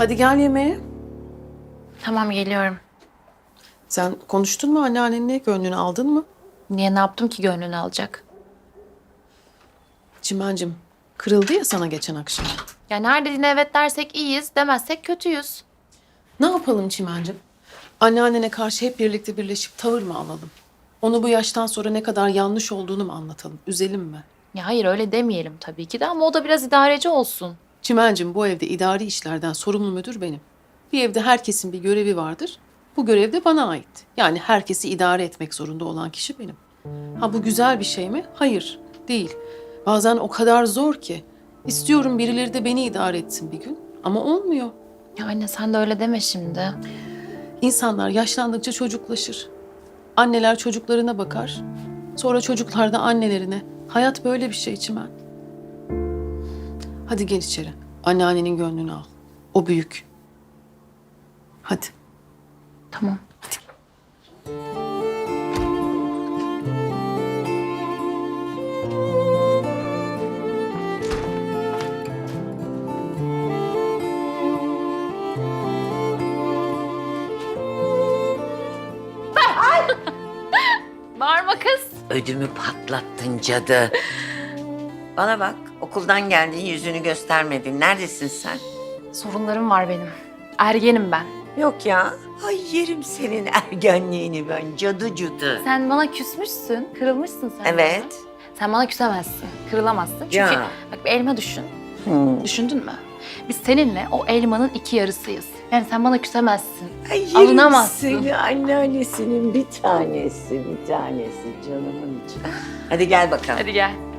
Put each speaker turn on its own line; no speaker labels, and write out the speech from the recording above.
Hadi gel yemeğe.
Tamam geliyorum.
Sen konuştun mu anneannenle? Gönlünü aldın mı?
Niye ne yaptım ki gönlünü alacak?
Çimencim, kırıldı ya sana geçen akşam.
Ya neredeyine evet dersek iyiyiz, demezsek kötüyüz.
Ne yapalım Çimencim? Anneannene karşı hep birlikte birleşip tavır mı alalım? Onu bu yaştan sonra ne kadar yanlış olduğunu mu anlatalım? Üzelim mi?
Ya hayır öyle demeyelim tabii ki de ama o da biraz idareci olsun.
Çimencim, bu evde idari işlerden sorumlu müdür benim. Bir evde herkesin bir görevi vardır. Bu görev de bana ait. Yani herkesi idare etmek zorunda olan kişi benim. Ha, bu güzel bir şey mi? Hayır, değil. Bazen o kadar zor ki. İstiyorum birileri de beni idare etsin bir gün. Ama olmuyor.
Ya anne sen de öyle deme şimdi.
İnsanlar yaşlandıkça çocuklaşır. Anneler çocuklarına bakar. Sonra çocuklar da annelerine. Hayat böyle bir şey Çimen. Hadi gel içeri. Anneannenin gönlünü al. O büyük. Hadi.
Tamam. Bağırma kız.
Ödümü patlattın cadı. Bana bak, okuldan geldin, yüzünü göstermedin. Neredesin sen?
Sorunlarım var benim. Ergenim ben.
Yok ya. Ay yerim senin ergenliğini ben, cadı cadı.
Sen bana küsmüşsün, kırılmışsın sen.
Evet.
bana. Sen bana küsemezsin, kırılamazsın. Çünkü
Ya.
bak bir elma düşün.
Hmm.
Düşündün mü? Biz seninle o elmanın iki yarısıyız. Yani sen bana küsemezsin.
Ay yerim
Alınamazsın.
seni, anneannesinin bir tanesi, canımın içi. Hadi gel bakalım.
Hadi gel.